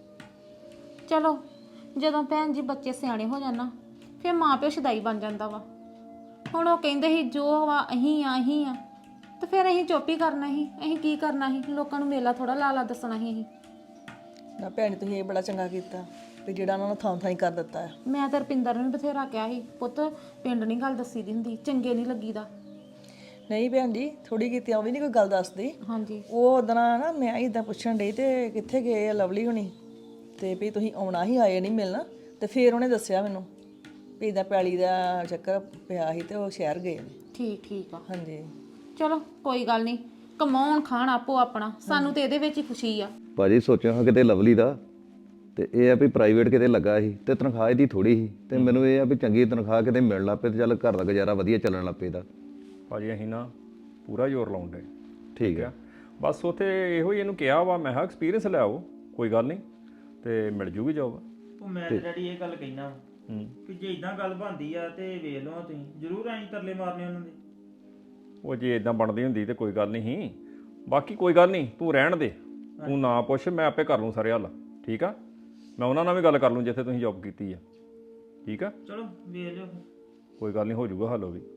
Speaker 6: ਚਲੋ ਜਦੋਂ ਭੈਣ ਜੀ ਬੱਚੇ ਸਿਆਣੇ ਹੋ ਜਾਣ ਨਾ ਫਿਰ ਮਾਂ ਪਿਓ ਸ਼ਦਾਈ ਬਣ ਜਾਂਦਾ ਵਾ। ਹੁਣ ਉਹ ਕਹਿੰਦੇ ਸੀ ਜੋ ਵਾ ਅਹੀਂ ਆ ਅਹੀਂ ਆ ਤੇ ਫਿਰ ਅਸੀਂ ਚੁੱਪ ਹੀ ਕਰਨਾ ਸੀ। ਅਸੀਂ ਕੀ ਕਰਨਾ ਸੀ? ਲੋਕਾਂ ਨੂੰ ਮੇਲਾ ਥੋੜਾ ਲਾ ਲਾ ਦੱਸਣਾ ਸੀ ਅਸੀਂ।
Speaker 3: ਨਾ ਭੈਣ ਤੁਸੀਂ ਇਹ ਬੜਾ ਚੰਗਾ ਕੀਤਾ ਵੀ ਜਿਹੜਾ ਉਹਨਾਂ ਨੂੰ ਥਾਂ ਥਾਂ ਹੀ ਕਰ ਦਿੱਤਾ ਆ। ਮੈਂ
Speaker 6: ਤਾਂ ਰੁਪਿੰਦਰ ਨੂੰ ਬਥੇਰਾ ਕਿਹਾ ਸੀ, ਪੁੱਤ ਪਿੰਡ ਨਹੀਂ ਗੱਲ ਦੱਸੀ ਦੀ ਹੁੰਦੀ, ਚੰਗੇ ਨਹੀਂ ਲੱਗੀਦਾ।
Speaker 3: ਨਹੀਂ ਭੈਣ ਜੀ ਥੋੜੀ ਕੀਤੀ ਉਹ ਵੀ ਨਹੀਂ ਕੋਈ ਗੱਲ ਦੱਸਦੀ।
Speaker 6: ਹਾਂਜੀ
Speaker 3: ਉਹ ਉਦੋਂ ਨਾ ਮੈਂ ਇਦਾਂ ਪੁੱਛਣ ਡਈ ਤੇ ਕਿੱਥੇ ਗਏ ਆ ਲਵਲੀ ਹੁਣੀ ਤੇ ਵੀ ਤੁਸੀਂ ਆਉਣਾ ਹੀ ਆਏ ਨਹੀਂ ਮਿਲਣਾ, ਤੇ ਫਿਰ ਉਹਨੇ ਦੱਸਿਆ ਮੈਨੂੰ ਵੀ ਇਹਦਾ ਪੈਲੀ ਦਾ ਚੱਕਰ ਪਿਆ ਸੀ ਤੇ ਉਹ ਸ਼ਹਿਰ ਗਏ ਨੇ।
Speaker 6: ਠੀਕ ਠੀਕ ਆ।
Speaker 3: ਹਾਂਜੀ
Speaker 6: ਚਲੋ ਕੋਈ ਗੱਲ ਨਹੀਂ, ਕਮਾਉਣ ਖਾਣ ਆਪੋ ਆਪਣਾ, ਸਾਨੂੰ ਤੇ ਇਹਦੇ ਵਿੱਚ ਹੀ ਖੁਸ਼ੀ ਆ।
Speaker 7: ਭਾਜੀ ਸੋਚਿਆ ਹਾਂ ਕਿਤੇ ਲਵਲੀ ਦਾ ਤੇ ਇਹ ਆ ਵੀ ਪ੍ਰਾਈਵੇਟ ਕਿਤੇ ਲੱਗਾ ਸੀ ਤੇ ਤਨਖਾਹ ਇਹਦੀ ਥੋੜੀ ਸੀ ਤੇ ਮੈਨੂੰ ਇਹ ਆ ਵੀ ਚੰਗੀ ਤਨਖਾਹ ਕਿਤੇ ਮਿਲਣ ਲੱਗ ਪਏ ਤੇ ਚੱਲ ਘਰ ਦਾ ਗੁਜ਼ਾਰਾ ਵਧੀਆ ਚੱਲਣ ਲੱਗ ਪਏ ਦਾ।
Speaker 2: ਭਾਜੀ ਅਸੀਂ ਨਾ ਪੂਰਾ ਜ਼ੋਰ ਲਾਉਣ ਡੇ।
Speaker 7: ਠੀਕ ਹੈ।
Speaker 2: ਬਸ ਉੱਥੇ ਇਹੋ ਹੀ ਇਹਨੂੰ ਕਿਹਾ ਵਾ, ਮੈਂ ਕਿਹਾ ਐਕਸਪੀਰੀਅੰਸ ਲੈ ਆਓ ਕੋਈ ਗੱਲ ਨਹੀਂ ਤੇ ਮਿਲ ਜੂਗੀ ਜੋਬ।
Speaker 5: ਉਹ ਮੈਂ ਤੇ ਡੈਡੀ ਇਹ ਗੱਲ ਕਹਿਣਾ ਹੂੰ ਕਿ ਜੇ ਇਦਾਂ ਗੱਲ ਬਣਦੀ ਆ ਤੇ ਵੇਖ ਲਓ ਤੁਸੀਂ ਜ਼ਰੂਰ ਐਂ ਤਰਲੇ ਮਾਰਨੇ ਉਹਨਾਂ ਦੇ।
Speaker 2: ਉਹ ਜੇ ਇਦਾਂ ਬਣਦੀ ਹੁੰਦੀ ਤੇ ਕੋਈ ਗੱਲ ਨਹੀਂ ਸੀ। ਬਾਕੀ ਕੋਈ ਗੱਲ ਨਹੀਂ, ਤੂੰ ਰਹਿਣ ਦੇ, ਤੂੰ ਨਾ ਪੁੱਛ, ਮੈਂ ਆਪੇ ਕਰ ਲੂੰ ਸਾਰੇ ਹੱਲ। ਠੀਕ ਆ, ਮੈਂ ਉਹਨਾਂ ਨਾਲ ਵੀ ਗੱਲ ਕਰ ਲੂੰ ਜਿੱਥੇ ਤੁਸੀਂ ਜੌਬ ਕੀਤੀ ਆ। ਠੀਕ ਆ
Speaker 5: ਚਲੋ ਵੇਖ ਲਿਓ
Speaker 2: ਕੋਈ ਗੱਲ ਨਹੀਂ, ਹੋ ਜਾਊਗਾ ਹੱਲ ਉਹ ਵੀ।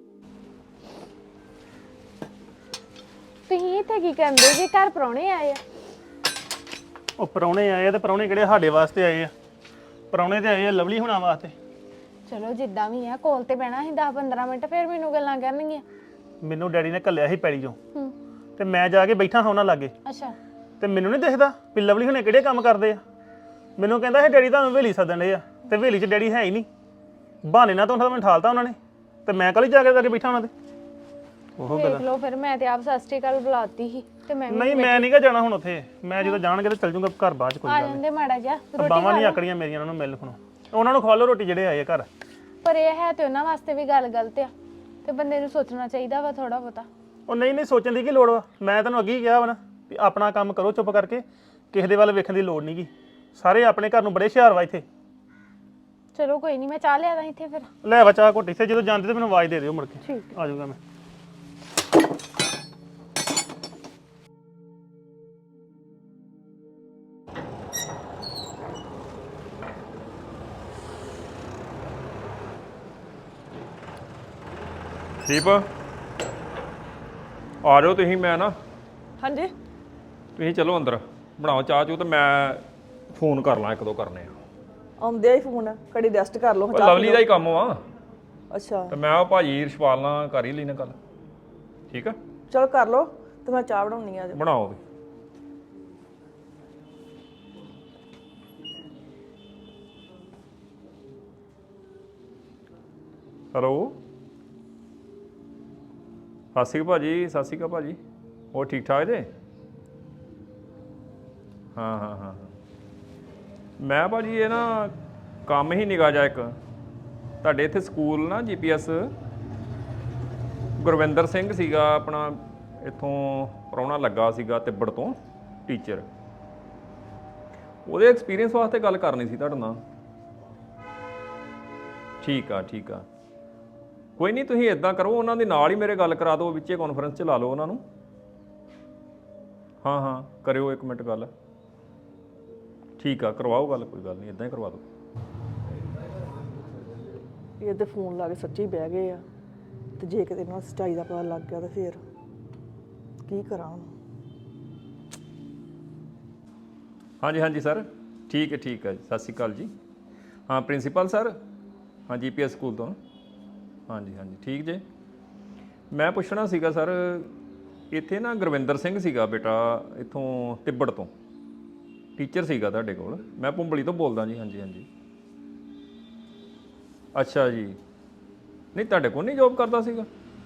Speaker 8: ਤੁਸੀਂ ਇੱਥੇ ਕੀ ਕਰਦੇ ਜੇ? ਘਰ ਪ੍ਰਾਹੁਣੇ ਆਏ ਆ?
Speaker 4: ਉਹ ਪ੍ਰਾਹੁਣੇ ਆਏ ਆ ਤੇ ਪ੍ਰਾਹੁਣੇ ਕਿਹੜੇ ਸਾਡੇ ਵਾਸਤੇ ਆਏ ਆ? ਪ੍ਰਾਹੁਣੇ ਤੇ ਆਏ ਆ ਲਵਲੀ ਹੋਣਾ ਵਾਸਤੇ।
Speaker 8: ਚਲੋ ਜਿੱਦਾਂ ਵੀ ਆ, ਕੋਲ ਤੇ ਬਹਿਣਾ ਸੀ ਦਸ ਪੰਦਰਾਂ ਮਿੰਟ, ਫਿਰ ਮੈਨੂੰ ਗੱਲਾਂ ਕਰਨਗੀਆਂ।
Speaker 4: ਮੈਨੂੰ ਡੈਡੀ ਨੇ ਘੱਲਿਆ ਸੀ ਪੈਲੀ ਚੋਂ
Speaker 8: ਹੂੰ
Speaker 4: ਤੇ ਮੈਂ ਜਾ ਕੇ ਬੈਠਾ ਹਾਂ ਉਹਨਾਂ ਲਾਗੇ
Speaker 8: ਅੱਛਾ
Speaker 4: ਤੇ ਮੈਨੂੰ ਨਹੀਂ ਦਿਖਦਾ ਵੀ ਲਵਲੀ ਹੁਣੇ ਕਿਹੜੇ ਕੰਮ ਕਰਦੇ ਆ। ਮੈਨੂੰ ਕਹਿੰਦਾ ਇਹ ਡੈਡੀ ਤੁਹਾਨੂੰ ਹਵੇਲੀ ਸੱਦਣ ਦੇ ਆ ਤੇ ਹਵੇਲੀ 'ਚ ਡੈਡੀ ਹੈ ਹੀ ਨਹੀਂ। ਬਹਾਨੇ ਨਾਲ ਤਾਂ ਉਹਨਾਂ ਮੈਨੂੰ ਠਾਲਤਾ ਉਹਨਾਂ ਨੇ ਤੇ ਮੈਂ ਕੱਲ ਹੀ ਜਾ ਕੇ ਜਾ ਕੇ ਬੈਠਾ ਉਹਨਾਂ ਦੇ। ਉਹ
Speaker 8: ਦੇਖ ਲਓ ਫਿਰ, ਮੈਂ ਤੇ ਆਪ ਸਤਿ ਸ਼੍ਰੀ ਅਕਾਲ ਬੁਲਾਤੀ ਸੀ ਤੇ ਮੈਂ
Speaker 4: ਨਹੀਂ ਮੈਂ ਨਹੀਂਗਾ ਜਾਣਾ ਹੁਣ ਉੱਥੇ। ਮੈਂ ਜਦੋਂ ਜਾਣਗੇ ਤਾਂ ਚੱਲ ਜੂੰਗਾ ਘਰ ਬਾਅਦ 'ਚ। ਕੋਈ
Speaker 8: ਆ
Speaker 4: ਗੱਲ
Speaker 8: ਜਾਂਦੇ ਮਾੜਾ ਜਿਹਾ
Speaker 4: ਨਹੀਂ, ਬਾਵਾਂ ਨਹੀਂ ਆਕੜੀਆਂ ਮੇਰੀਆਂ ਉਹਨਾਂ ਨੂੰ ਮਿਲ ਖਣੋ। ਉਹਨਾਂ ਨੂੰ ਖਵਾ ਲਓ ਰੋਟੀ ਜਿਹੜੇ ਆਏ ਆ ਘਰ।
Speaker 8: ਪਰ ਇਹ ਹੈ ਤੇ ਉਹਨਾਂ ਵਾਸਤੇ ਵੀ ਗੱਲ ਗਲਤ ਆ ਤੇ ਬੰਦੇ ਨੂੰ ਸੋਚਣਾ ਚਾਹੀਦਾ ਵਾ ਥੋੜਾ ਬਹੁਤਾ।
Speaker 4: ਉਹ ਨਹੀਂ ਨਹੀਂ ਸੋਚਣ ਦੀ ਕੀ ਲੋੜ ਵਾ? ਮੈਂ ਤੈਨੂੰ ਅੱਗੇ ਹੀ ਕਿਹਾ ਵਾ ਨਾ ਵੀ ਆਪਣਾ ਕੰਮ ਕਰੋ ਚੁੱਪ ਕਰਕੇ, ਕਿਸੇ ਦੇ ਵੱਲ ਵੇਖਣ ਦੀ ਲੋੜ ਨਹੀਂਗੀ। ਸਾਰੇ ਆਪਣੇ ਘਰ ਨੂੰ ਬੜੇ ਹੁਸ਼ਿਆਰ ਵਾ ਇੱਥੇ।
Speaker 8: ਚਲੋ ਕੋਈ ਨਹੀਂ, ਮੈਂ ਚਾਹ ਲਿਆਦਾ ਇੱਥੇ ਫਿਰ।
Speaker 4: ਲੈ ਵਾ ਚਾਹ ਘੁੱਟ ਇੱਥੇ, ਜਦੋਂ ਜਾਂਦੇ ਤੇ ਮੈਨੂੰ ਆਵਾਜ਼ ਦੇ ਦਿਓ ਮੁੜ ਕੇ।
Speaker 8: ਠੀਕ
Speaker 4: ਆ ਜਾਊਗਾ ਮੈਂ।
Speaker 2: ਦੀਪ ਆ ਜਾਓ ਤੁਸੀਂ, ਮੈਂ ਨਾ
Speaker 3: ਹਾਂਜੀ
Speaker 2: ਤੁਸੀਂ ਚਲੋ ਅੰਦਰ ਬਣਾਓ ਚਾਹ ਚੂ ਤੇ ਮੈਂ ਫੋਨ ਕਰ ਲਾਂ, ਇੱਕ ਦੋ ਕਰਨੇ ਆ।
Speaker 3: ਆਉਂਦੇ ਹੀ ਫੋਨ ਘੜੀ ਰੈਸਟ ਕਰ ਲਓ
Speaker 2: ਉਹ ਲਵਲੀ ਦਾ ਹੀ ਕੰਮ ਵਾ
Speaker 3: ਅੱਛਾ
Speaker 2: ਤੇ ਮੈਂ ਉਹ ਭਾਜੀ ਰਛਪਾਲ ਨਾਲ ਕਰ ਹੀ ਲੈਣਾ ਗੱਲ। ਠੀਕ ਆ,
Speaker 3: ਚਲੋ ਕਰ ਲਓ ਤੇ ਮੈਂ ਚਾਹ ਬਣਾਉਣੀ ਆ।
Speaker 2: ਬਣਾਓ ਵੀ। ਹੈਲੋ, ਸਤਿ ਸ਼੍ਰੀ ਅਕਾਲ ਭਾਜੀ। ਸਤਿ ਸ਼੍ਰੀ ਅਕਾਲ ਭਾਜੀ, ਹੋਰ ਠੀਕ ਠਾਕ ਜੇ? ਹਾਂ ਹਾਂ ਹਾਂ ਹਾਂ ਮੈਂ ਭਾਜੀ ਇਹ ਨਾ ਕੰਮ ਹੀ ਨਿਗਾਹ ਜਾ ਇੱਕ ਤੁਹਾਡੇ ਇੱਥੇ ਸਕੂਲ ਨਾ ਜੀ ਪੀ ਐਸ ਗੁਰਵਿੰਦਰ ਸਿੰਘ ਸੀਗਾ ਆਪਣਾ, ਇੱਥੋਂ ਪ੍ਰਾਹੁਣਾ ਲੱਗਾ ਸੀਗਾ ਤਿੱਬੜ ਤੋਂ ਟੀਚਰ, ਉਹਦੇ ਐਕਸਪੀਰੀਅੰਸ ਵਾਸਤੇ ਗੱਲ ਕਰਨੀ ਸੀ ਤੁਹਾਡੇ ਨਾਲ। ਠੀਕ ਆ ਠੀਕ ਆ, ਕੋਈ ਨਹੀਂ ਤੁਸੀਂ ਇਦਾਂ ਕਰੋ, ਉਹਨਾਂ ਦੇ ਨਾਲ ਹੀ ਮੇਰੇ ਗੱਲ ਕਰਾ ਦਿਓ, ਵਿੱਚੇ ਕਾਨਫਰੰਸ 'ਚ ਲਾ ਲਓ ਉਹਨਾਂ ਨੂੰ। ਹਾਂ ਹਾਂ ਕਰਿਓ ਇੱਕ ਮਿੰਟ ਗੱਲ। ਠੀਕ ਆ, ਕਰਵਾਓ ਗੱਲ, ਕੋਈ ਗੱਲ ਨਹੀਂ, ਇਦਾਂ ਹੀ ਕਰਵਾ ਦਿਓ।
Speaker 3: ਇਹ ਤੇ ਫੋਨ ਲਾ ਕੇ ਸੱਚੀ ਬਹਿ ਗਏ ਆ, ਤੇ ਜੇ ਕਿਤੇ ਇਹਨਾਂ ਨੂੰ ਸੱਚਾਈ ਦਾ ਪਤਾ ਲੱਗ ਗਿਆ ਤਾਂ ਫਿਰ ਕੀ ਕਰਾਂ ਹੁਣ।
Speaker 2: ਹਾਂਜੀ ਹਾਂਜੀ ਸਰ, ਠੀਕ ਹੈ ਠੀਕ ਹੈ ਜੀ, ਸਤਿ ਸ਼੍ਰੀ ਅਕਾਲ ਜੀ। ਹਾਂ ਪ੍ਰਿੰਸੀਪਲ ਸਰ, ਹਾਂ ਜੀ ਪੀ ਐਸ ਸਕੂਲ ਤੋਂ। ਹਾਂਜੀ ਹਾਂਜੀ ਠੀਕ ਜੇ। ਮੈਂ ਪੁੱਛਣਾ ਸੀਗਾ ਸਰ, ਇੱਥੇ ਨਾ ਗੁਰਵਿੰਦਰ ਸਿੰਘ ਸੀਗਾ ਬੇਟਾ, ਇੱਥੋਂ ਤਿੱਬੜ ਤੋਂ ਟੀਚਰ ਸੀਗਾ ਤੁਹਾਡੇ ਕੋਲ। ਮੈਂ ਭੁੰਬਲੀ ਤੋਂ ਬੋਲਦਾ ਜੀ। ਹਾਂਜੀ ਹਾਂਜੀ ਅੱਛਾ ਜੀ, ਨਹੀਂ ਤੁਹਾਡੇ ਕੋਲ ਨਹੀਂ ਜੋਬ ਕਰਦਾ ਸੀਗਾ?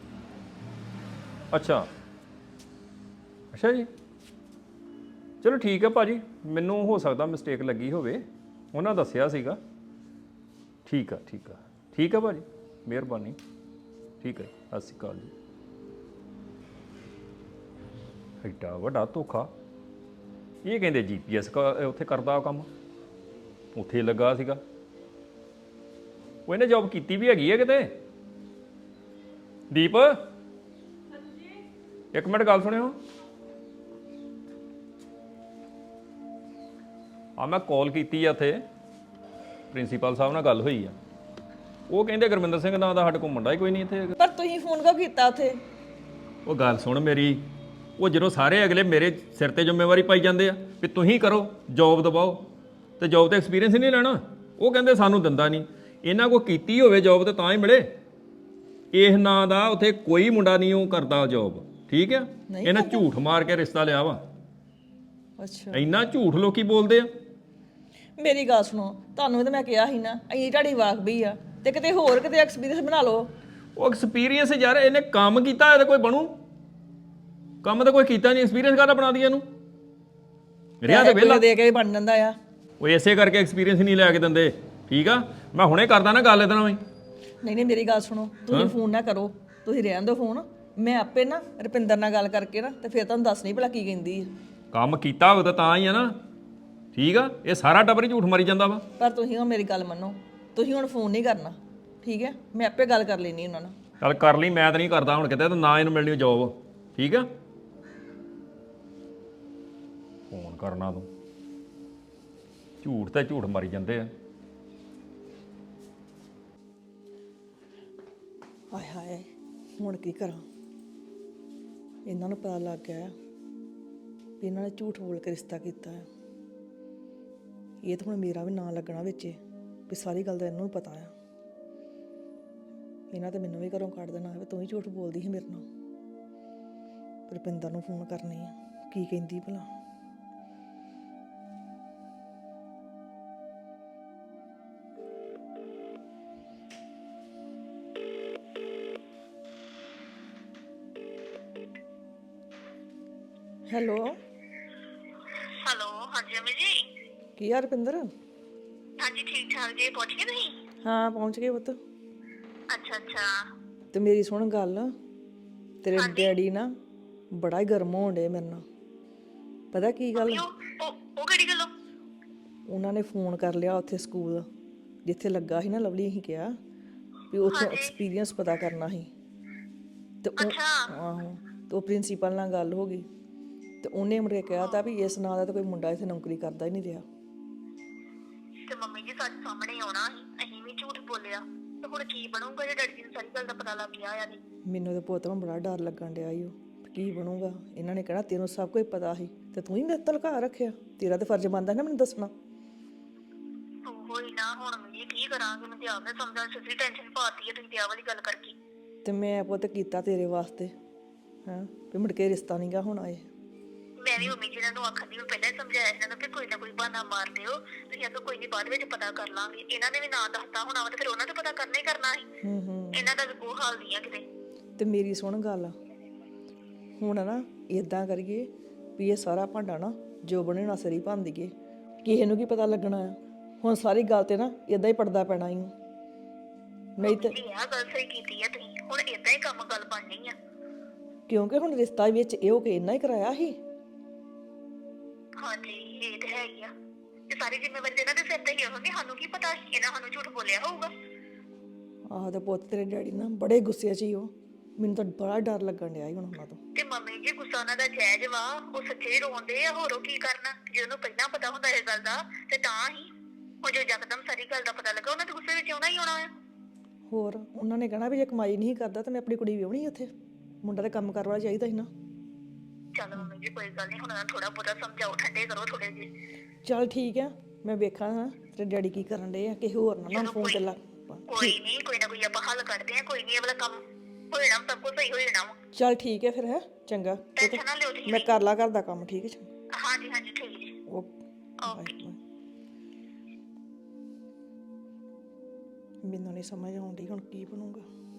Speaker 2: ਅੱਛਾ ਅੱਛਾ ਜੀ, ਚਲੋ ਠੀਕ ਹੈ ਭਾਜੀ, ਮੈਨੂੰ ਹੋ ਸਕਦਾ ਮਿਸਟੇਕ ਲੱਗੀ ਹੋਵੇ, ਉਹਨਾਂ ਦੱਸਿਆ ਸੀਗਾ। ਠੀਕ ਆ ਠੀਕ ਆ ਠੀਕ ਆ ਭਾਜੀ, ਮਿਹਰਬਾਨੀ। ਠੀਕ ਹੈ, ਸਤਿ ਸ਼੍ਰੀ ਅਕਾਲ ਜੀ। ਐਡਾ ਵੱਡਾ ਧੋਖਾ, ਇਹ ਕਹਿੰਦੇ ਜੀ ਪੀ ਐਸ ਉੱਥੇ ਕਰਦਾ ਕੰਮ, ਉੱਥੇ ਲੱਗਾ ਸੀਗਾ। ਉਹ ਇਹਨੇ ਜੋਬ ਕੀਤੀ ਵੀ ਹੈਗੀ ਹੈ ਕਿਤੇ। ਦੀਪ ਇੱਕ ਮਿੰਟ ਗੱਲ ਸੁਣਿਓ। ਆ ਮੈਂ ਕਾਲ ਕੀਤੀ ਆ, ਇੱਥੇ ਪ੍ਰਿੰਸੀਪਲ ਸਾਹਿਬ ਨਾਲ ਗੱਲ ਹੋਈ ਆ, ਉਹ ਕਹਿੰਦੇ ਗੁਰਮਿੰਦਰ ਸਿੰਘ ਨਾਂ ਦਾ ਸਾਡੇ ਕੋਲ ਮੁੰਡਾ ਹੀ ਕੋਈ ਨਹੀਂ ਇੱਥੇ।
Speaker 3: ਪਰ ਤੁਸੀਂ ਫੋਨ ਕਿਉਂ ਕੀਤਾ ਉੱਥੇ?
Speaker 2: ਉਹ ਗੱਲ ਸੁਣ ਮੇਰੀ, ਉਹ ਜਦੋਂ ਸਾਰੇ ਅਗਲੇ ਮੇਰੇ ਸਿਰ ਤੇ ਜ਼ਿੰਮੇਵਾਰੀ ਪਾਈ ਜਾਂਦੇ ਆ ਵੀ ਤੁਸੀਂ ਕਰੋ, ਜੋਬ ਦਬਾਓ, ਤੇ ਜੋਬ ਤੇ ਐਕਸਪੀਰੀਅੰਸ ਹੀ ਨਹੀਂ ਲੈਣਾ। ਉਹ ਕਹਿੰਦੇ ਸਾਨੂੰ ਦਿੰਦਾ ਨਹੀਂ। ਇਹਨਾਂ ਕੋਲ ਕੀਤੀ ਹੋਵੇ ਜੋਬ ਤੇ ਤਾਂ ਹੀ ਮਿਲੇ। ਇਸ ਨਾਂ ਦਾ ਉੱਥੇ ਕੋਈ ਮੁੰਡਾ ਨਹੀਂ ਉਹ ਕਰਦਾ ਜੋਬ, ਠੀਕ ਆ? ਇਹਨਾਂ ਝੂਠ ਮਾਰ ਕੇ ਰਿਸ਼ਤਾ ਲਿਆ ਵਾ।
Speaker 3: ਅੱਛਾ,
Speaker 2: ਇੰਨਾ ਝੂਠ ਲੋਕੀ ਬੋਲਦੇ ਆ।
Speaker 3: ਮੇਰੀ ਗੱਲ ਸੁਣੋ, ਤੁਹਾਨੂੰ ਤਾਂ ਮੈਂ ਕਿਹਾ ਸੀ ਨਾ ਅਸੀਂ ਤੁਹਾਡੀ ਵਾਕਬੀ ਆ, ਤੇ ਕਿਤੇ ਹੋਰ ਕਿਤੇ ਐਕਸਪੀਰੀਅੰਸ ਬਣਾ ਲਓ।
Speaker 2: ਉਹ ਐਕਸਪੀਰੀਅੰਸ ਯਾਰ, ਇਹਨੇ ਕੰਮ ਕੀਤਾ ਹੋਇਆ ਤਾਂ ਕੋਈ ਬਣੂ, ਕੰਮ ਤਾਂ ਕੋਈ ਕੀਤਾ ਨਹੀਂ, ਐਕਸਪੀਰੀਅੰਸ ਕਾਹਦਾ ਬਣਾ ਦਿਆ ਇਹਨੂੰ? ਰਿਆ ਤੇ ਵਿਹਲਾ
Speaker 3: ਦੇ ਕੇ ਬਣ ਜਾਂਦਾ ਆ।
Speaker 2: ਉਹ ਇਸੇ ਕਰਕੇ ਐਕਸਪੀਰੀਅੰਸ ਨਹੀਂ ਲੈ ਕੇ ਦਿੰਦੇ। ਠੀਕ ਆ, ਮੈਂ ਹੁਣੇ ਕਰਦਾ ਨਾ ਗੱਲ ਇਹਦੇ ਨਾਲ ਵੀ।
Speaker 3: ਨਹੀਂ ਨਹੀਂ ਮੇਰੀ ਗੱਲ ਸੁਣੋ, ਤੁਸੀਂ ਫੋਨ ਨਾ ਕਰੋ, ਤੁਸੀਂ ਰਹਿਣ ਦਿਓ ਫੋਨ, ਮੈਂ ਆਪੇ ਨਾ ਰੁਪਿੰਦਰ ਨਾਲ ਗੱਲ ਕਰਕੇ ਨਾ ਤੇ ਫਿਰ ਤੁਹਾਨੂੰ ਦੱਸਣੀ ਭਲਾ ਕੀ ਕਹਿੰਦੀ ਹੈ।
Speaker 2: ਕੰਮ ਕੀਤਾ ਹੋਵੇ ਤਾਂ ਤਾਂ ਹੀ ਆ ਨਾ, ਠੀਕ ਆ? ਇਹ ਸਾਰਾ ਟੱਬਰ ਹੀ ਝੂਠ ਮਾਰੀ ਜਾਂਦਾ ਵਾ।
Speaker 3: ਪਰ ਤੁਸੀਂ ਹੁਣ ਮੇਰੀ ਗੱਲ ਮੰਨੋ, ਤੁਸੀਂ ਹੁਣ ਫੋਨ ਨਹੀਂ ਕਰਨਾ, ਠੀਕ ਹੈ? ਮੈਂ ਆਪੇ ਗੱਲ ਕਰ ਲੈਣੀ ਉਹਨਾਂ ਨਾਲ।
Speaker 2: ਚੱਲ ਕਰ ਲਈ, ਮੈਂ ਤਾਂ ਨਹੀਂ ਕਰਦਾ ਹੁਣ ਕਿਤੇ, ਤੇ ਨਾ ਇਹਨੂੰ ਮਿਲਣੀ ਜੋਬ, ਠੀਕ ਆ? ਫੋਨ ਕਰਨਾ ਤੂੰ, ਝੂਠ ਤੇ ਝੂਠ ਮਾਰੀ ਜਾਂਦੇ ਆ।
Speaker 3: ਹਾਏ ਹਾਏ, ਹੁਣ ਕੀ ਕਰਾਂ? ਇਹਨਾਂ ਨੂੰ ਪਤਾ ਲੱਗ ਗਿਆ ਵੀ ਇਹਨਾਂ ਨੇ ਝੂਠ ਬੋਲ ਕੇ ਰਿਸ਼ਤਾ ਕੀਤਾ ਹੈ। ਇਹ ਤਾਂ ਹੁਣ ਮੇਰਾ ਵੀ ਨਾਂ ਲੱਗਣਾ ਵਿੱਚ ਵੀ ਸਾਰੀ ਗੱਲ ਦਾ ਇਹਨੂੰ ਵੀ ਪਤਾ ਆ। ਇਹਨਾਂ ਤੇ ਮੈਨੂੰ ਵੀ ਘਰੋਂ ਕੱਢ ਦੇਣਾ ਵੀ ਤੂੰ ਹੀ ਝੂਠ ਬੋਲਦੀ ਸੀ ਮੇਰੇ ਨਾਲ। ਰੁਪਿੰਦਰ ਨੂੰ ਫੋਨ ਕਰਨੀ ਆ, ਕੀ ਕਹਿੰਦੀ ਭਲਾ। ਹੈਲੋ
Speaker 9: ਹੈਲੋ, ਹਾਂਜੀ ਅਮੀ ਜੀ।
Speaker 3: ਕੀ ਆ ਰੁਪਿੰਦਰ?
Speaker 9: ਹਾਂਜੀ ਠੀਕ ਠਾਕ ਜੀ, ਪਹੁੰਚ ਗਏ ਤੁਸੀਂ?
Speaker 3: ਹਾਂ ਪਹੁੰਚ ਗਏ ਪੁੱਤ।
Speaker 9: ਅੱਛਾ ਅੱਛਾ।
Speaker 3: ਤੇ ਮੇਰੀ ਸੁਣ ਗੱਲ, ਤੇਰੇ ਡੈਡੀ ਨਾ ਬੜਾ ਹੀ ਗਰਮ ਹੋਣ ਡੇ ਮੇਰੇ ਨਾਲ। ਪਤਾ ਕੀ ਗੱਲ?
Speaker 9: ਉਹ ਉਹ ਕਿਹੜੀ ਗੱਲੋਂ?
Speaker 3: ਉਹਨਾਂ ਨੇ ਫੋਨ ਕਰ ਲਿਆ ਉੱਥੇ ਸਕੂਲ ਜਿੱਥੇ ਲੱਗਾ ਸੀ ਨਾ ਲਵਲੀ, ਅਸੀਂ ਕਿਹਾ ਵੀ ਉੱਥੋਂ ਐਕਸਪੀਰੀਅੰਸ ਪਤਾ ਕਰਨਾ ਸੀ। ਤੇ ਉਹ ਆਹੋ, ਤੇ ਉਹ ਪ੍ਰਿੰਸੀਪਲ ਨਾਲ ਗੱਲ ਹੋ ਗਈ ਤੇ ਉਹਨੇ ਮੁੜ ਕੇ ਕਿਹਾ ਤਾਂ ਵੀ ਇਸ ਨਾਂ ਦਾ ਤਾਂ ਕੋਈ ਮੁੰਡਾ ਇੱਥੇ ਨੌਕਰੀ ਕਰਦਾ ਹੀ ਨਹੀਂ ਰਿਹਾ।
Speaker 9: ਤੇ ਮੰਮੀ ਜੀ ਸੱਚ ਸਾਹਮਣੇ ਆਉਣਾ ਸੀ, ਅਸੀਂ ਵੀ ਝੂਠ ਬੋਲਿਆ ਤੇ ਹੁਣ ਕੀ ਬਣੂਗਾ ਜੇ ਡੈਡੀ ਜੀ ਨੂੰ ਸਾਰੀ ਗੱਲ ਦਾ ਪਤਾ ਲੱਗ ਗਿਆ ਆ ਨਹੀਂ?
Speaker 3: ਮੈਨੂੰ ਤੇ ਪੁੱਤ ਨੂੰ ਬੜਾ ਡਰ ਲੱਗਣ ਡਿਆ ਈ ਓ ਕੀ ਬਣੂਗਾ। ਇਹਨਾਂ ਨੇ ਕਹਿਣਾ ਤੈਨੂੰ ਸਭ ਕੁਝ ਪਤਾ ਸੀ ਤੇ ਤੂੰ ਹੀ ਮੇਰੇ ਤੋਂ ਲੁਕਾ ਰੱਖਿਆ। ਤੇਰਾ ਤੇ ਫਰਜ਼ ਬਣਦਾ ਨਾ ਮੈਨੂੰ ਦੱਸਣਾ।
Speaker 9: ਉਹ ਹੀ ਨਾ ਹੁਣ ਮੈਂ ਕੀ ਕਰਾਂਗੇ, ਮੈਨੂੰ ਤੇ ਆਪ ਨੇ ਸਮਝਾਂ ਸੱਚੀ ਟੈਨਸ਼ਨ ਪਾਤੀ ਹੈ ਤੁਸੀਂ ਤੇ ਆਹ ਵਾਲੀ ਗੱਲ ਕਰਕੇ।
Speaker 3: ਤੇ ਮੈਂ ਪੁੱਤ ਕੀਤਾ ਤੇਰੇ ਵਾਸਤੇ ਹਾਂ ਵੀ ਮੁੜ ਕੇ ਰਿਸ਼ਤਾ ਨਹੀਂਗਾ ਹੋਣਾ ਇਹ।
Speaker 9: ਮੈਂ ਵੀ ਮੰਮੀ ਜੀ ਨੂੰ ਆਖਦੀ ਮੈਂ ਪਹਿਲਾਂ ਹੀ ਸਮਝਾਇਆ ਇਹਨਾਂ ਨੂੰ ਕਿ ਕੋਈ ਨਾ ਕੋਈ ਬਹਾਨਾ ਮਾਰ ਦਿਓ, ਤੁਸੀਂ ਆਖੋ ਕੋਈ ਨਹੀਂ ਬਾਅਦ ਵਿੱਚ ਪਤਾ ਕਰ ਲਾਂਗੇ। ਇਹਨਾਂ ਨੇ ਵੀ ਨਾ ਦੱਸਤਾ ਹੋਣਾ ਵਾ ਤੇ ਫਿਰ ਉਹਨਾਂ ਨੇ ਪਤਾ ਕਰਨਾ ਹੀ ਕਰਨਾ ਸੀ।
Speaker 3: ਹੂੰ ਹੂੰ
Speaker 9: ਇਹਨਾਂ ਦਾ ਵੀ ਕੋਈ ਹਾਲ ਨਹੀਂ ਆ ਕਿਤੇ।
Speaker 3: ਤੇ ਮੇਰੀ ਸੁਣ ਗੱਲ ਹੁਣ ਨਾ ਇਦਾਂ ਕਰੀਏ ਵੀ ਇਹ ਸਾਰਾ ਭਾਂਡਾ ਨਾ ਜੋ ਬਣੇਣਾ ਸਰੀ ਭੰਨ ਦਈਏ, ਕਿਸੇ ਨੂੰ ਕੀ ਪਤਾ ਲੱਗਣਾ ਆ। ਹੁਣ ਸਾਰੀ ਗੱਲ ਤੇ ਨਾ ਇਦਾਂ ਹੀ ਪੜਦਾ ਪੈਣਾ ਹੀ ਨਹੀਂ ਤੇ
Speaker 9: ਜੀ ਆਹ ਗੱਲ ਸਹੀ ਕੀਤੀ ਆ ਤੁਸੀਂ, ਹੁਣ ਏਦਾਂ ਹੀ ਕੰਮ ਗੱਲ ਬਣਨੀ ਆ।
Speaker 3: ਕਿਉਂਕਿ ਹੁਣ ਰਿਸ਼ਤਾ ਵਿੱਚ ਇਹੋ ਕਿ ਇੰਨਾ ਹੀ ਕਰਾਇਆ ਸੀ।
Speaker 9: ਹਾਂਜੀ ਇਹ ਤਾਂ ਹੈ ਹੀ ਆ, ਤੇ ਸਾਰੀ ਜ਼ਿੰਮੇਵਾਰੀ ਇਹਨਾਂ ਦੇ ਸਿਰ ਤੇ ਹੀ ਹੋਣੀ। ਸਾਨੂੰ ਕੀ ਪਤਾ ਸੀ ਇਹਨਾਂ ਸਾਨੂੰ ਝੂਠ ਬੋਲਿਆ ਹੋਊਗਾ।
Speaker 3: ਆਹ ਤੇ ਪੁੱਤ ਤੇਰੇ ਡੈਡੀ ਨਾ ਬੜੇ ਗੁੱਸੇ 'ਚ ਹੀ ਉਹ। ਮੈਨੂੰ ਤਾਂ ਬੜਾ ਡਰ ਲੱਗਣ ਡਿਆ ਸੀ ਹੁਣ ਉਹਨਾਂ ਤੋਂ।
Speaker 9: ਤੇ ਮੰਮੀ ਜੀ ਗੁੱਸਾ ਉਹਨਾਂ ਦਾ ਜਾਇਜ਼ ਵਾ, ਉਹ ਸੱਚੇ ਹੀ ਰੋਂਦੇ ਆ, ਹੋਰ ਉਹ ਕੀ ਕਰਨਾ। ਜੇ ਉਹਨੂੰ ਪਹਿਲਾਂ ਪਤਾ ਹੁੰਦਾ ਇਹ ਗੱਲ ਦਾ ਤੇ ਤਾਂ ਹੀ ਉਹ ਜੋ ਯਕਦਮ ਸਾਰੀ ਗੱਲ ਦਾ ਪਤਾ ਲੱਗਾ ਉਹਨਾਂ ਦੇ ਗੁੱਸੇ ਵਿੱਚ ਆਉਣਾ ਹੀ ਆਉਣਾ ਆ।
Speaker 3: ਹੋਰ ਉਹਨਾਂ ਨੇ ਕਹਿਣਾ ਵੀ ਜੇ ਕਮਾਈ ਨਹੀਂ ਕਰਦਾ ਤਾਂ ਮੈਂ ਆਪਣੀ ਕੁੜੀ ਵਿਆਹਣੀ ਉੱਥੇ, ਮੁੰਡਾ ਤੇ ਕੰਮ ਕਰਨ ਵਾਲਾ ਚਾਹੀਦਾ ਸੀ ਨਾ।
Speaker 9: ਚਲੋ ਮੰਮੀ ਜੀ ਕੋਈ ਗੱਲ ਨਹੀਂ, ਹੁਣ ਉਹਨਾਂ ਨੂੰ ਥੋੜਾ ਬਹੁਤਾ ਸਮਝਾਓ, ਠੰਡੇ ਕਰੋ ਥੋੜੇ ਜਿਹੇ।
Speaker 3: ਚੱਲ ਠੀਕ ਆ, ਮੈਂ ਵੇਖਾਂ ਹਾਂ ਤੇਰੇ ਡੈਡੀ ਕੀ ਕਰਨ ਡੇ ਆ, ਕਿਸੇ ਹੋਰ ਨਾਲ ਨਾ ਫੋਨ ਤੇ ਲਾ।
Speaker 9: ਕੋਈ ਨਹੀਂ ਕੋਈ ਨਾ ਕੋਈ ਆਪਾਂ ਹੱਲ ਕੱਢਦੇ ਆ, ਕੋਈ ਨਹੀਂ ਇਹ ਵਾਲਾ ਕੰਮ ਹੋ ਜਾਣਾ, ਸਭ ਕੁਝ ਸਹੀ ਹੋ ਜਾਣਾ ਵਾ।
Speaker 3: ਚੱਲ ਠੀਕ ਹੈ ਫਿਰ ਹੈ ਚੰਗਾ।
Speaker 9: ਟੈਨਸ਼ਨ ਨਾ ਲਿਓ ਤੁਸੀਂ।
Speaker 3: ਮੈਂ ਕਰ ਲਾ ਘਰ ਦਾ ਕੰਮ ਠੀਕ ਹੈ।
Speaker 9: ਹਾਂਜੀ ਹਾਂਜੀ ਠੀਕ ਜੀ।
Speaker 3: ਓਕੇ। ਮੈਨੂੰ ਨਹੀਂ ਸਮਝ ਆਉਂਦੀ ਹੁਣ ਕੀ ਬਣੂਗਾ।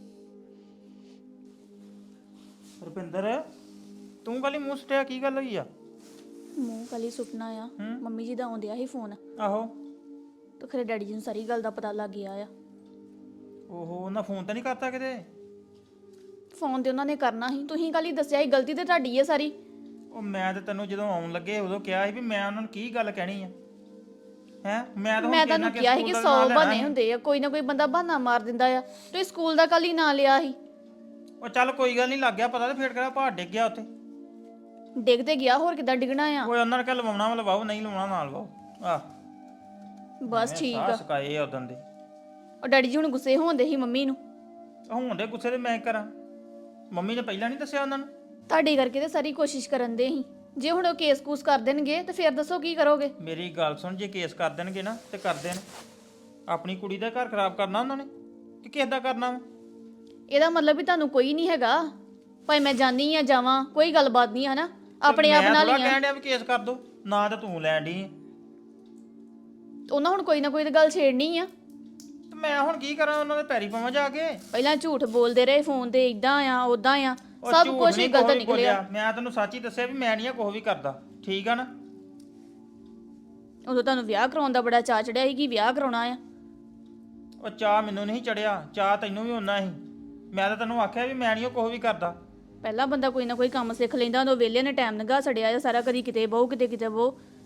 Speaker 5: ਰੁਪਿੰਦਰ ਤੂੰ ਕਾਲੀ ਮੂੰਹ ਸਟਿਆ, ਕੀ ਗੱਲ ਹੋਈ ਆ?
Speaker 1: ਮੂੰਹ ਕਾਲੀ ਸੁਪਨਾ ਆ, ਮੰਮੀ ਜੀ ਦਾ ਆਉਂਦਿਆ ਸੀ ਫੋਨ
Speaker 5: ਆਹੋ
Speaker 1: ਤੇ ਖਰੇ ਡੈਡੀ ਜੀ ਨੂੰ ਸਾਰੀ ਗੱਲ ਦਾ ਪਤਾ ਲੱਗ ਗਿਆ ਆ।
Speaker 5: ਓਹੋ ਉਹਨਾਂ ਫੋਨ ਤਾਂ ਨਹੀਂ ਕਰਤਾ ਕਿਤੇ?
Speaker 1: ਫੋਨ ਤੇ ਉਹਨਾਂ ਨੇ ਕਰਨਾ ਸੀ, ਤੁਸੀਂ ਕਾਲੀ ਦੱਸਿਆ ਸੀ, ਗਲਤੀ ਤੇ ਤੁਹਾਡੀ ਹੈ ਸਾਰੀ।
Speaker 5: ਉਹ ਮੈਂ ਤੇ ਤੈਨੂੰ ਜਦੋਂ ਆਉਣ ਲੱਗੇ ਉਦੋਂ ਕਿਹਾ ਸੀ ਵੀ ਮੈਂ ਉਹਨਾਂ ਨੂੰ ਕੀ ਗੱਲ ਕਹਿਣੀ ਆ ਹੈ। ਮੈਂ ਤਾਂ
Speaker 1: ਮੈਂ ਤੁਹਾਨੂੰ ਕਿਹਾ ਸੀ ਕਿ ਸੌ ਬਹਾਨੇ ਹੁੰਦੇ ਆ, ਕੋਈ ਨਾ ਕੋਈ ਬੰਦਾ ਬਹਾਨਾ ਮਾਰ ਦਿੰਦਾ ਆ। ਤੁਸੀਂ ਸਕੂਲ ਦਾ ਕੱਲ ਹੀ ਨਾਂ ਲਿਆ ਸੀ।
Speaker 5: ਉਹ ਚੱਲ ਕੋਈ ਗੱਲ ਨਹੀਂ, ਲੱਗ ਗਿਆ ਪਤਾ ਤੇ ਫੇਰ ਕਿਹੜਾ ਪਹਾੜ ਡਿੱਗ ਗਿਆ ਉੱਥੇ।
Speaker 1: ਡਿੱਗ ਤੇ ਗਿਆ, ਹੋਰ ਕਿੱਦਾਂ ਡਿੱਗਣਾ ਆ।
Speaker 5: ਓਏ ਉਹਨਾਂ ਨੇ ਕਿਹਾ ਲਵਾਉਣਾ ਵਾ ਲਵਾਓ, ਨਹੀਂ ਲਵਾਉਣਾ ਨਾ ਲਵਾਓ। ਆਹ
Speaker 1: ਬਸ ਠੀਕ ਆ।
Speaker 5: ਸਕਾਏ ਆ ਉਦੋਂ ਦੇ।
Speaker 1: ਉਹ ਡੈਡੀ ਜੀ ਹੁਣ ਗੁੱਸੇ ਹੋਣਦੇ ਸੀ ਮੰਮੀ ਨੂੰ।
Speaker 5: ਹੁਣ ਦੇ ਗੁੱਸੇ ਤੇ ਮੈਂ ਕਰਾਂ, ਮੰਮੀ ਨੇ ਪਹਿਲਾਂ ਨਹੀਂ ਦੱਸਿਆ ਉਹਨਾਂ ਨੂੰ?
Speaker 1: ਤੁਹਾਡੇ ਕਰਕੇ ਤੇ ਸਾਰੀ ਕੋਸ਼ਿਸ਼ ਕਰਨ ਦੇ ਸੀ। ਜੇ ਹੁਣ ਉਹ ਕੇਸ ਕੂਸ ਕਰ ਦੇਣਗੇ ਤੇ ਫਿਰ ਦੱਸੋ ਕੀ ਕਰੋਗੇ?
Speaker 5: ਮੇਰੀ ਗੱਲ ਸੁਣ, ਜੇ ਕੇਸ ਕਰ ਦੇਣਗੇ ਨਾ ਤੇ ਕਰ ਦੇਣ। ਆਪਣੀ ਕੁੜੀ ਦਾ ਘਰ ਖਰਾਬ ਕਰਨਾ ਉਹਨਾਂ ਨੇ ਕਿ ਕਿਸ ਦਾ ਕਰਨਾ ਵਾ?
Speaker 1: ਇਹਦਾ ਮਤਲਬ ਵੀ ਤੁਹਾਨੂੰ ਕੋਈ ਨਹੀਂ ਹੈਗਾ, ਭਾਈ ਮੈਂ ਜਾਣੀ ਆ ਜਾਵਾਂ, ਕੋਈ ਗੱਲਬਾਤ ਨਹੀਂ ਹੈ ਨਾ, ਆਪਣੇ ਆਪ ਨਾਲ
Speaker 5: ਮੈਂ
Speaker 1: ਹੀ ਆ।
Speaker 5: ਕਹਿਣ ਡਿਆ ਵੀ ਕੇਸ ਕਰ ਦੋ ਨਾ, ਤਾਂ ਤੂੰ ਲੈਣ ਡਈ ਆਂ।
Speaker 1: ਉਹਨਾਂ ਹੁਣ ਕੋਈ ਨਾ ਕੋਈ ਤਾਂ ਗੱਲ ਛੇੜਨੀ ਆ।
Speaker 5: ਤੇ ਮੈਂ ਹੁਣ ਕੀ ਕਰਾਂ, ਉਹਨਾਂ ਦੇ ਪੈਰੀ ਪਾਵਾਂ ਜਾ ਕੇ?
Speaker 1: ਪਹਿਲਾਂ ਝੂਠ ਬੋਲਦੇ ਰਹੇ ਫੋਨ ਤੇ, ਇਦਾਂ ਆ ਉਦਾਂ ਆ,
Speaker 5: ਉਹ
Speaker 1: ਸਭ
Speaker 5: ਝੂਠ
Speaker 1: ਕੁਝ
Speaker 5: ਨੀ
Speaker 1: ਹੀ ਗਲਤ
Speaker 5: ਕੁਛ ਵੀ
Speaker 1: ਨਿਕਲਿਆ।
Speaker 5: ਬੋਲਿਆ। ਮੈਂ ਤੈਨੂੰ ਸੱਚ ਹੀ ਦੱਸਿਆ ਵੀ ਮੈਂ ਨਹੀਂ ਆ ਕੁਛ ਵੀ ਕਰਦਾ, ਠੀਕ ਆ ਨਾ?
Speaker 1: ਉਦੋਂ ਤੁਹਾਨੂੰ ਵਿਆਹ ਕਰਾਉਣ ਦਾ ਬੜਾ ਚਾਅ ਚੜਿਆ ਸੀ ਕਿ ਵਿਆਹ ਕਰਾਉਣਾ ਆ।
Speaker 5: ਉਹ ਚਾਹ ਮੈਨੂੰ ਨਹੀਂ ਚੜਿਆ, ਚਾਹ ਤੈਨੂੰ ਵੀ ਹੋਣਾ ਸੀ। ਮੈਂ ਤਾਂ ਤੈਨੂੰ ਆਖਿਆ ਵੀ ਮੈਂ ਨਹੀਂ ਕੁਛ ਵੀ ਕਰਦਾ।
Speaker 1: ਪਹਿਲਾਂ ਬੰਦਾ ਕੋਈ ਨਾ ਕੋਈ ਕੰਮ ਸਿੱਖ ਲੈਂਦਾ, ਉਦੋਂ ਵਿਹਲੇ ਨੇ ਟਾਈਮ ਲੰਘਾ ਛੜਿਆ ਆ ਸਾਰਾ, ਕਦੀ ਕਿਤੇ ਬਹੁ ਕਿਤੇ ਕਿਤੇ ਬਹੁ।